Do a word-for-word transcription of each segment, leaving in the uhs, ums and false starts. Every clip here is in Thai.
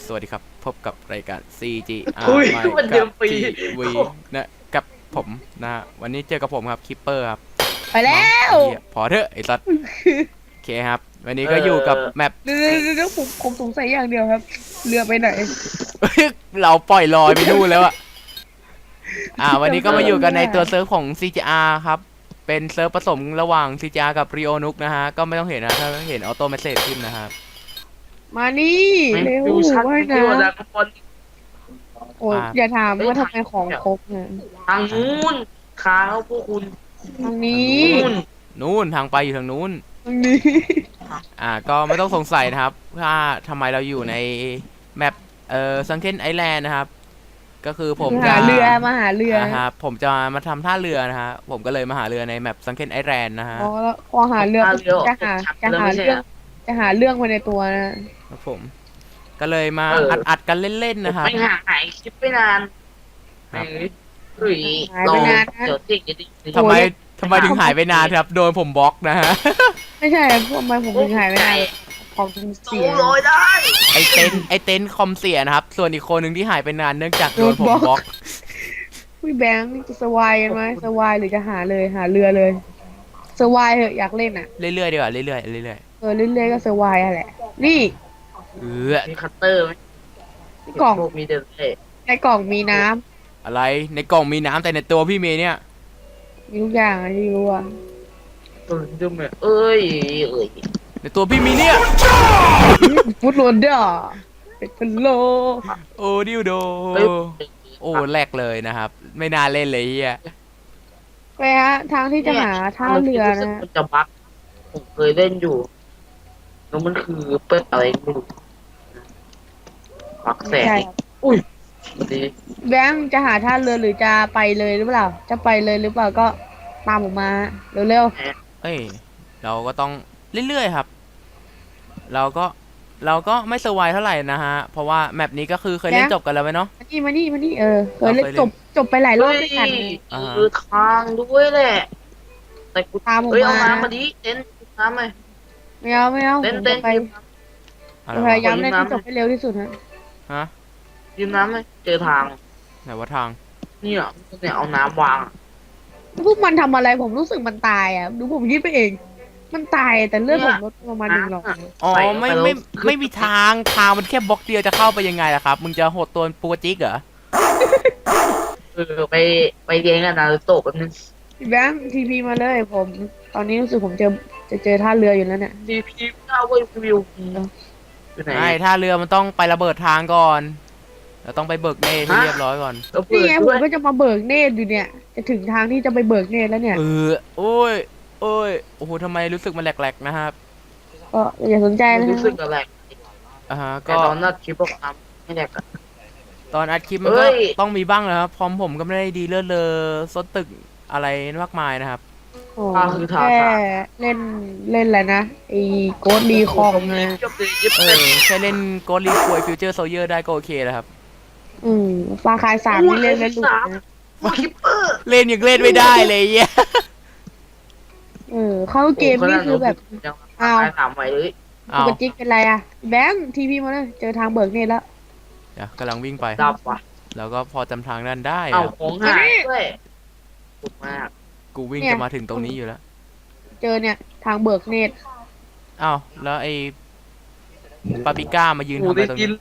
สวัสดีครับพบกับรายการ ซี จี อาร์คุยไม่มันเดืกัอนบปีทีวีนะกับผมนะฮะวันนี้เจอกับผมครับคิปเปอร์ครับไปแล้วเหี้ยพอเถอะไอ้สัตว์โอเคครับวันนี้ก็อยู่กับแมปเดี๋ยวเดี๋ยวเดี๋ยวผมผมสงสัยอย่างเดียวครับ เรือไปไหนเราปล่อยลอยไปนู่นแล้วอะอ่าวันนี้ก็มาอยู่กันในตัวเซิร์ฟของ ซี จี อาร์ ครับเป็นเซิร์ฟผสมระหว่าง ซี จี อาร์ กับ Rio Nook นะฮะก็ไม่ต้องเห็นนะถ้าเห็นออโต้เมสเซจขึ้นนะครับมานี่เร็วดูชัดว่ายที่ว่าน้ดักบอลำโอ้ยอย่าถามว่าทำไมของครบเนี่ยทางนู้นค้างแล้วพวกคุณทางนี้นู้นนู่นทางไปอยู่ทางนู้นทางนี้อ่าก็ไม่ต้องสงสัยนะครับว่าทำไมเราอยู่ในแมปเอ่อซังเคนไอแลนด์นะครับก็คือผมจะหาเรือมาหาเรืออ่าฮะผมจะมาทำท่าเรือนะฮะผมก็เลยมาหาเรือในแมปซังเคนไอแลนด์นะฮะอ๋อแล้วพอหาเรือปุ๊บจะหาจะหาเรื่องจะหาเรื่องภายในตัวนะครับผมก็เลยมาอัดอัดๆกันเล่นๆนะครับไม่ห่างหายคลิปไปนานครับหรือหายไปนานนะเดี๋ยวติ๊กจะติ๊กทำไมทำไมถึงหายไปนานครับโดนผมบล็อกนะฮะไม่ใช่พวกมันผมถึงหายไปนานของถึงสูเสียลอยได้ไอเต็นท์ไอเต็นท์คอมเสียนะครับส่วนอีกคนหนึ่งที่หายไปนานเนื่องจากโดนผมบล็อกพี่แบงค์จะสวายกันไหมสวายหรือจะหาเลยหาเรือเลยสวายเหอะอยากเล่นอ่ะเรื่อยๆดีกว่าเรื่อยๆเรื่อยเออเรื่อยๆก็สวายอะแหละ นี่ๆเออมีคัตเตอร์ไหมกล่องพวกมีเดินเล่ในกล่องมีน้ำอะไรในกล่องมีน้ำแต่ในตัวพี่เมย์เนี่ยมีทุกอย่างอะที่รู้อ่ะตื่นจุ่มเลยเอ้ยเอ้ยในตัวพี่มีเนี่ยฟุตโรเดอร์เป็นพะโลโอ้ดิวโดเอ้ยโอ้แรกเลยนะครับ ไม่น่าเล่นเลยเฮียไปฮะทางที่จะหาท่าเรือรู้สึกนะมันจะบั๊กผมเคยเล่นอยู่แล้วมันคือเปิดอะไรไม่รู้บั๊กแสใช่งอุ้ยดีแบงค์จะหาท่าเรือหรือจะไปเลยหรือเปล่า จะไปเลยหรือเปล่าก็ตามผมมาเร็วเอ้ยเราก็ต้องเรื่อยๆครับ เราก็เราก็ไม่สวายเท่าไหร่นะฮะ เพราะว่าแมปนี้ก็คือเคยเล่นจบกันแล้วไหมเนาะๆมานี่มานี่มานี่เออเคยเล่นเราเคยเล่นจบจบไปหลายรอบเฮ้ยด้วยกันอ่าฮะคือทางด้วยแหละ แต่กูตามผมเฮ้ยเอามาน้ำมาดิเต้นน้ำไหมไม่เอาไม่เอาผเต้นมเต้จะนไปอะไรจะพวะยายามเล่นให้จบให้เร็วที่สุดฮะฮะยืมน้ำไหมเจอทางไหนว่าทางนี่อ่ะเนี่ยเอาน้ำวางพวกมันทำอะไรผมรู้สึกมันตายอ่ะดูผมคิดไปเอง มันตายแต่เลือดผมลดประมาณหนึ่งหรอกอ๋อไม่ไม่ไม่มีทางทางมันแค่บล็อกเดียวจะเข้าไปยังไงล่ะครับ มึงจะโหดตัวปูจิกเหรอเออไปไปเลี้ยงกันนารูโตะแป๊บนึงพี่แบงค์ทีพีมาเลยผม ตอนนี้รู้สึกผมเจอจะเจอท่าเรืออยู่แล้วเนี่ยดีพีเก้าเว้ยวิวอยู่ไหนใช่ถ้าเรือมันต้องไประเบิดทางก่อนเราต้องไปเบิกเนตให้เรียบร้อยก่อนแล้วเปินี่ดไงผด้วมยก็จะมาเบิกเนตรอยู่เนี่ย จะถึงทางที่จะไปเบิกเนตรแล้วเนี่ยเออโอ้ยโอ้ยโอ้โหทำไมรู้สึกมันแหลกๆนะครับก็อย่าสนใจนะรู้สึกอะไรอ่าฮะแต่ก็ตอนนั้นคลิปบอกทำไม่แดกอะตอนอัดคลิปมันเอ้ก็ยต้องมีบ้างนะครับพร้อมผมก็ไม่ได้ดีเลิศเลอซดตึกอะไรมากมายนะครับโอ้แค่เล่นเล่นอะไรนะไอ้โกดดีคองนะเย็บเลยเย็บเอเลยอแค่เล่นโกลีควยฟิวเจอร์โซเยอร์ได้ก็โอเคแล้วครับอืมฟาคายสามนี่เล่นไม่หลุดนะมาคลิปเปอร์เล่นยังเล่นไม่ได้เลยเหี้ยเออเข้าเกมนี่คือแบบยังอ้าวถามไว้เลยอ้าปวกติเป็นไรอะแบงค์ทีพีมาเลยเจอทางเบิกเนตรแล้วเดี๋ยวกำลังวิ่งไปดับว่ะแล้วก็พอจำทางนั้นได้เอาครับของหายด้วยถูกมากกูวิ่งจะมาถึงตรงนี้อยู่แล้วเจอเนี่ยทางเบิกเนตรอ้าวแล้วไอ้ปาปิก้ามายืนโอ้ทำอะไรได้ตรงกินนี้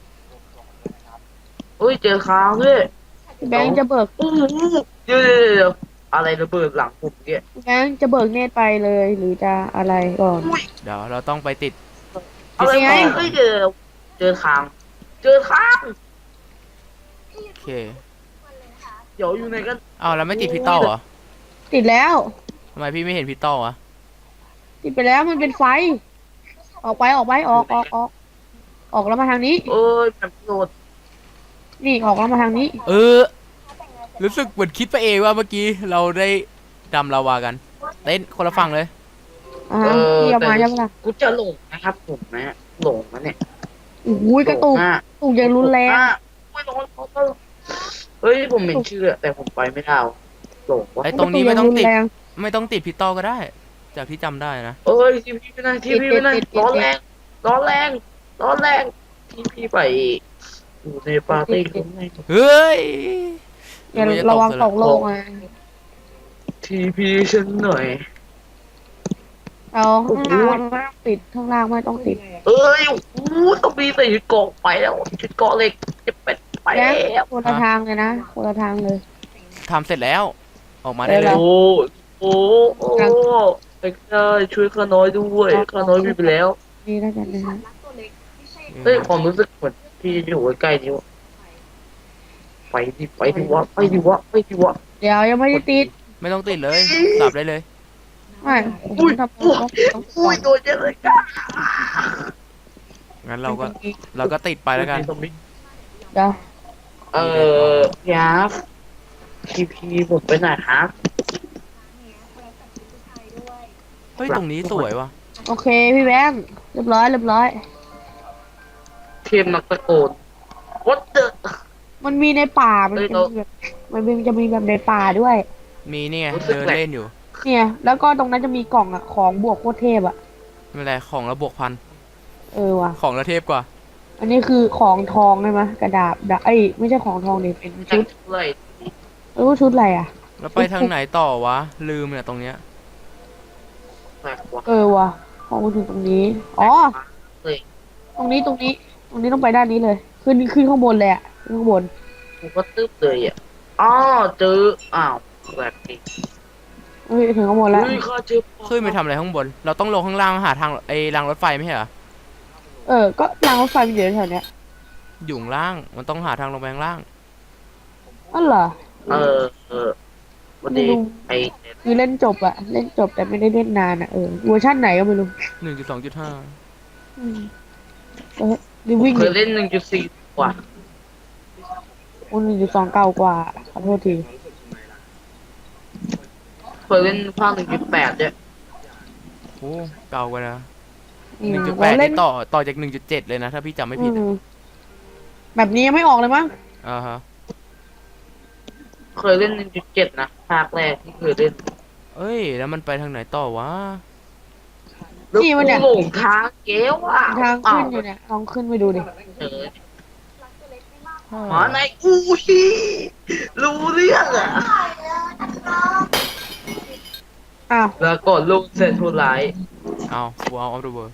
เฮ้ยเจอค้างด้วยแบงค์จะเบิกโอ้โหเดี๋ยวเดี๋ยวเดี๋ยวอะไรระเบิดหลังผมเนี่ยแบงค์จะเบิกเนตรไปเลยหรือจะอะไรก่อนอุ้ยเดี๋ยวเราต้องไปติดอะไรไงวะเฮ้ยเจอเจอค้าง เจอค้างโอเคเดี๋ยวอยู่ไหนกันอ้าวแล้วไม่ติดพิตอลเหรอติดแล้วทำไมพี่ไม่เห็นพิตอลอะติดไปแล้วมันเป็นไฟ ออกไปออกไปออกออกออกออกแล้วมาทางนี้เอ้ยแบบโหลดนี่ออกแล้วมาทางนี้เออรู้สึกเหมือนคิดไปเองว่าเมื่อกี้เราได้ดำลาวากันเต้นคนละฝั่งเลยอ่าที่เอามาใช่ไหมล่ะกูจะหลงนะครับผมนะหลงนะเนี่ยโอ้ยกระตุกหลงมากกระตุกอย่างรุนแรงไม่ร้อนเขาก็เฮ้ยผมเห็นชื่ออะแต่ผมไปไม่ได้ว่ะหลงวะไอ้ตรงนี้ไม่ต้องติดกระตุกย่ารุนแรงไม่ต้องติดพิตอลก็ได้ จากที่จำได้นะเอ้ยทีวีไม่ได้ทีวีไม่ได้ติดติดติดร้อนแรงร้อนแรงร้อนแรงที่พี่ไปอยู่ในปาร์ตี้ครั้งแรกเฮ้ยอย่านึกาจระวังซตกโลกนะทีพีฉันหน่อยเอาข้างล่างไม่ต้องติดข้างล่างไม่ต้องติดเอ้ยโอ้โหต้องมีใส่ชุดเกาะไปแล้วชุดเกาะเหล็กจะเป็นไปแล้แล้ว วคนละทางเลยนะคนละทางเลยทำเสร็จแล้ว ออกมาได้เลเดี๋ยยวโอ้โอ้โอ้ไอ้ข้าช่วยข้าน้อยด้วยข้าน้อยมีไปแล้วนี่แล้วกันนะฮะเฮ้ยความรู้สึกเหมือนที่อยู่ใกล้ๆนี่วะไปดิไปดิวะไปดิวะไปดิวะเดี๋ยวยังไม่ได้ติดไม่ต้องติดเลยสับได้เลยไม่ผมอุ้ยทำอุ้ยต้องต้องอุ้ยโดนเยอะเลยก้างั้นเราก็เราก็ติดไปแล้วกันเดี๋ยวเออพี่อาร์ฟพีพีผมไปไหนครับเฮ้ย ตรงนี้สวยว่ะโอเคพี่แบงค์เรียบร้อยเรียบร้อยเทียมนักตะโกน what the มันมีในป่ามันเอ้ยเป็นเราแบบมันเป็นจะมีแบบในป่าด้วยมีเนี่ยรู้สึกเดินแปลกเล่นอยู่เนี่ย แล้วก็ตรงนั้นจะมีกล่องอะของบวกโคตรเทพอะไม่เป็นไรของระบวกพันเออว่ะของระเทพกว่าอันนี้คือของทองใช่ไหมกระดาษดาเอ้ยไม่ใช่ของทองดิเป็นจัชุกดเลยเออชุดอะไรอะแล้วไปทางไหนต่อวะ ลืมเนี่ยตรงเนี้ยแปลกว่ะเออว่ะของมาถึงตรงนี้อ๋อเฮ้ยตรงนี้ตรงนี้ ตรงนี้ต้องไปด้านนี้เลย ขึ้นขึ้นข้างบนเลยอะขึ้นข้างบนกูก็ตึ๊บเลยอ่ะอ๋อเจออ้าวแปลกดิเฮ้ยถึงข้างบนแล้วเฮ้ยข้าเจอขึ้นไปทำอะไรข้างบน เราต้องลงข้างล่างหาทางไอ้รางรถไฟไม่ใช่เหรอเออก็รางรถไฟมันอยู่แถวเนี้ยอยู่ข้างล่าง มันต้องหาทางลงไปข้างล่างอ๋อเหรอเออเออวันนี้ไอคือเล่นจบอะเล่นจบแต่ไม่ได้เล่นนานอะเออเวอร์ชันไหนก็ไม่รู้หนึ่งจุดสองจุดห้าอืมเออดิวิ่งเคยเล่นหนึ่งจุดสี่กว่าคนหนึ่งจุดสองเก่ากว่าขอโทษทีเคยเล่นภาคหนึ่งจุดแปดเนี่ยโอ้เก่ากว่านะอืหมนึ่งจุดแปดเราเล่นี่นต่อต่อจากหนึ่งจุดเจ็ดเลยนะ ถ้าพี่จำไม่ผิดอืมแบบนี้ยังไม่ออกเลยมั้งอ่าฮะเคยเล่นหนึ่งจุดเจ็ดนะภาคแรกที่เคยเล่นเอ้ย แล้วมันไปทางไหนต่อวะแล้วนี่กูมันเนี่ยหลงทางเก๋ว่ะทางขึ้นอยู่เนี่ยลองขึ้นไปดูดิเออหมาในอุ้ยรู้เรื่องอ่ะอ้าวแล้วก่อนลูกเสร็จทุร้ายเอาฟูเอาออฟเดอะเวิร์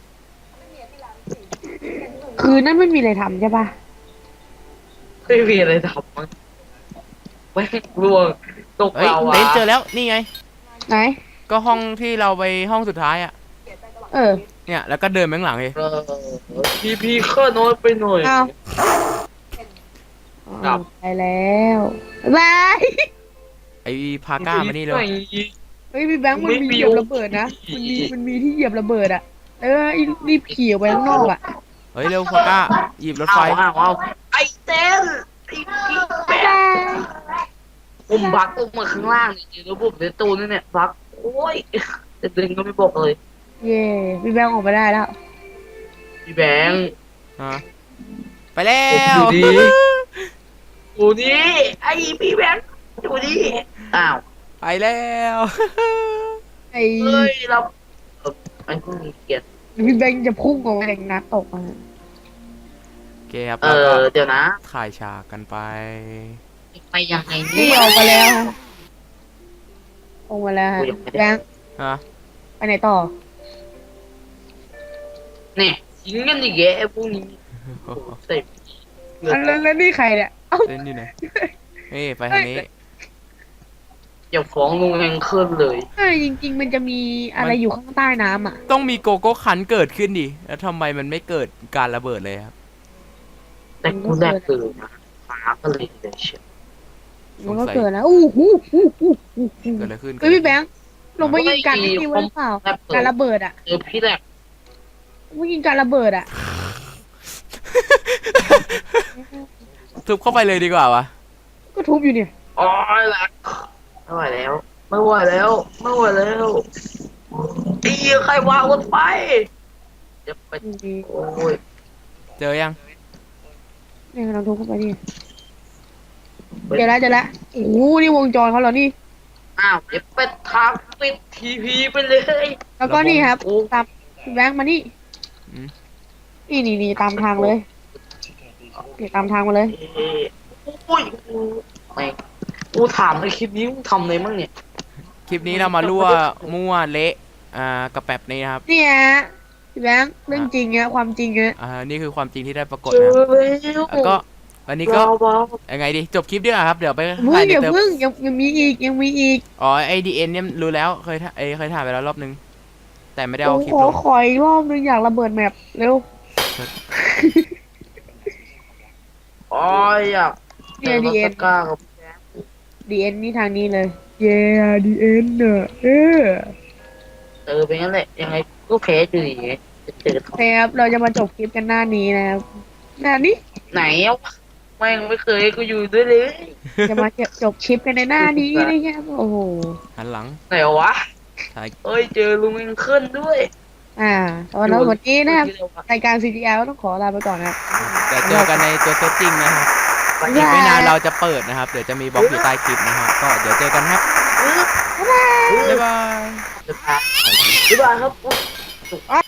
คืนนั้นไม่มีอะไรทำใช่ปะไม่มีอะไรทำมั้งไม่ร่วงตกเฮ้ยเราเต้อ่ะนเจอแล้ว นี่ไงไหนก็ห้องที่เราไปห้องสุดท้ายอ่ะเออเนี่ย แล้วก็เดินไปข้างหลังเลยเออพีพีข้าน้อยไปหน่อยอ้าวกลับไปแล้วบ๊ายบายไอ้พาก้ามานี่เลยเฮ้ยพี่แบงค์มันมีเหยียบระเบิดนะ มันมีมันมีที่เหยียบระเบิดอะเออรีบขี่ออกไปข้างนอกอะเฮ้ย เร็วพาก้า หยิบรถไฟเอาเอาเอาไอ้เต้นไอ้กิ๊กแบกผมบักลงมาข้างล่างจริงๆแล้วผมในตู้นี่เนี่ยบักโอ้ยจะดึงก็ไม่บอกเลยเย่พี่แบงค์ออกมาได้แล้วพี่แบงค์ฮะ ไปแล้วอยู่ดี อยู่นี่ไอ้พี่แบงค์อยู่นี่อ้าวไปแล้วไอ้เฮ้ยเราเอ่อไอ้พวกนี้เกลียดพี่แบงค์จะพุ่งออกมาจากน้ำตกมาโอเคครับเอแล้วก็อเดี๋ยวนะถ่ายฉากกันไปไปยังไงนี่เนี่ยออกมาแล้วฮะออกมาแล้วฮะแบงค์ฮะไปไหนต่อเนี่ยยิงกันอีกแกไอ้พวกนี้โอ้โหเสพเลืออัดนแล้วแล้วนี่ใครเนี่ยเอ้าเล่นอยู่ไหนเฮ้ยไปทางนี้อย่าฟ้องลุงแองเคิลเลยเออจริง ๆ มันจะมีอะไรอยู่ข้างใต้น้ำอ่ะต้องมีโกโก้คันเกิดขึ้นดิ แล้วทำไมมันไม่เกิดการระเบิดเลยครับแต่กูแรกคือนะฟ้าก็เลยเลยเชียวมันก็เกิดนะอู้หูหูหูหูหูเกิดอะไรขึ้นเฮ้ยพี่แบงค์ลงไปยิงกันที่นี่ไว้หรือเปล่าแรกเปิการดระเบิดอ่ะเจอพี่แรกลงไปยิงการระเบิดอ่ะทุบเข้าไปเลยดีกว่าวะก็ทุบอยู่เนี่ยอ๋อแรกไม่ไหวแล้ว ไม่ไหวแล้วไม่ไหวแล้วไอ้เหี้ยใครวางรถไฟจะไปโอ้ยเจอยังเนี่ยเราทุบเข้าไปนี่เดี๋ยวละเดี๋ยวละโอ้โหนี่วงจรเขาเหรอนี่อ้าวเดี๋ยวไปทางปิดทีพีไปเลยแล้วก็นี่ครับโอ้ตามพี่แบงค์มานี่อืมนี่นี่นี่ตามทางเลยโอเคตามทางมาเลยเอ้ยโอ้ยกูไม่งกูถามในคลิปนี้มึงทำอะไรมั่งเนี่ยคลิปนี้เรามารั่วมั่วเละอ่ากระแปบนี้นะครับเนี่ยพี่แบงค์เรื่องจริงอะความจริงอะอ่านี่คือความจริงที่ได้ปรากฏเจอนะครับแล้วแล้วก็วันนี้ก็เบายังไงดีจบคลิปดีกว่าครับเดี๋ยวไปเพิ่ถ่าง ยในอย่าเติมเพิ่งยังยังมีอีกยังมีอีกอ๋อไอดีเอ็นเนี่ยรู้แล้วเคยถ่ายเอ้ยเคยถ่ายไปแล้วรอบนึง แต่ไม่ได้โอ้เอาคลิปขอลงขออีกรอบนึงอยากระเบิดแมปเร็วๆอ๋ออยากเนี่ยเจดีอเอ็มาน สก้ากับดีเอ็นนี่ทางนี้เลย เย้ดีเอ็นเนอะเออเจอไปงั้นแหละยังไงก็แพ้อยู่ดีจะเจอโอเคครับเราจะมาจบคลิปกันหน้านี้นะครับหน้านี้ไหนอ่ะแม่งไม่เคยให้กูอยู่ด้วยเลยจะมาจบคลิปกันในหน้านี้นะครับโอ้โหหันหลังไหนวะถ่ายเอ้ยเจอลุงเองขึ้นด้วยอ่าตอนนี้วันนี้นะครับรายการ ซี จี อาร์ ก็ต้องขอลาไปก่อนนะครับเดี๋ยวเจอกันในตัวเซตจริงนะครับวันอีนี้กไม่นานเราจะเปิดนะครับ เดี๋ยวจะมีบล็อกอยู่ใต้คลิปนะครับ ก็เดี๋ยวเจอกันครับบ๊ายบายบ๊ายบายบ๊ายบายครับ